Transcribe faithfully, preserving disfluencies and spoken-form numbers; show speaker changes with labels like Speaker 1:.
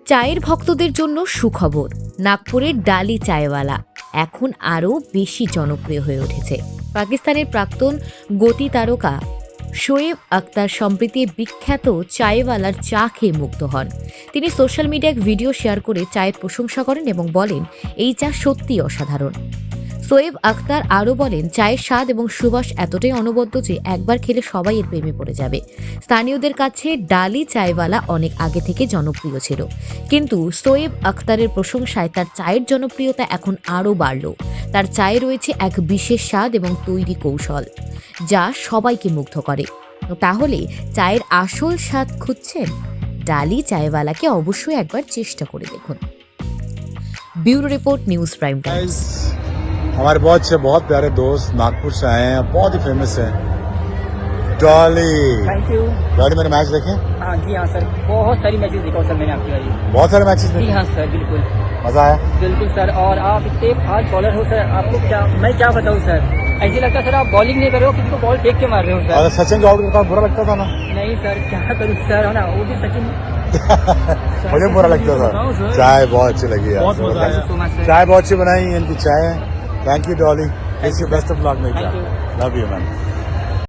Speaker 1: চায়ের ভক্তদের জন্য সুখবর, নাগপুরের ডালি চায়ওয়ালা এখন আরও বেশি জনপ্রিয় হয়ে উঠেছে। পাকিস্তানের প্রাক্তন গতি তারকা শোয়েব আখতার সম্প্রতি বিখ্যাত চায়ওয়ালার চা খেয়ে মুগ্ধ হন। তিনি সোশ্যাল মিডিয়ায় ভিডিও শেয়ার করে চায়ের প্রশংসা করেন এবং বলেন এই চা সত্যিই অসাধারণ। শোয়েব আখতার আরও বলেন, চায়ের স্বাদ এবং সুবাস এতটাই অনবদ্য যে একবার খেলে সবাই এর প্রেমে পড়ে যাবে। স্থানীয়দের কাছে ডালি চায়ওয়ালা অনেক আগে থেকে জনপ্রিয় ছিল, কিন্তু শোয়েব আখতারের প্রশংসায় তার চায়ের জনপ্রিয়তা এখন আরও বাড়ল। তার চায়ে রয়েছে এক বিশেষ স্বাদ এবং তৈরি কৌশল যা সবাইকে মুগ্ধ করে। তাহলে চায়ের আসল স্বাদ খুঁজছেন? ডালি চায়ওয়ালাকে অবশ্যই একবার চেষ্টা করে দেখুন। Bureau report, news prime times.
Speaker 2: हमारे बहुत अच्छे बहुत प्यारे दोस्त नागपुर से आए हैं, बहुत ही फेमस है डॉली।
Speaker 3: Thank you.
Speaker 2: डॉली मेरे मैच देखे?
Speaker 3: हाँ जी हाँ सर, बहुत सारी मैचेस देखा सर मैंने आपकी वाली।
Speaker 2: बहुत सारे मैचेस
Speaker 3: जी
Speaker 2: देखे?
Speaker 3: हाँ सर, बिल्कुल
Speaker 2: मजा आया?
Speaker 3: बिल्कुल सर। और आप इतने फास्ट बॉलर हो सर, आपको क्या मैं क्या बताऊँ सर, ऐसे लगता है सर आप बॉलिंग नहीं कर रहे हो, किसी को बॉल फेंक के मार रहे हो सर।
Speaker 2: अगर सचिन को आउट करता बुरा लगता था ना?
Speaker 3: नहीं सर, क्या करूँ सर, है ना, वो भी सचिन।
Speaker 2: मुझे बुरा लगता था। चाय बहुत अच्छी लगी यार,
Speaker 3: बहुत मजा आया सो मच सर।
Speaker 2: चाय बहुत अच्छी बनाई, इनकी चाय। Thank you Dolly, best of luck.
Speaker 3: Thank you.
Speaker 2: Love you ma'am.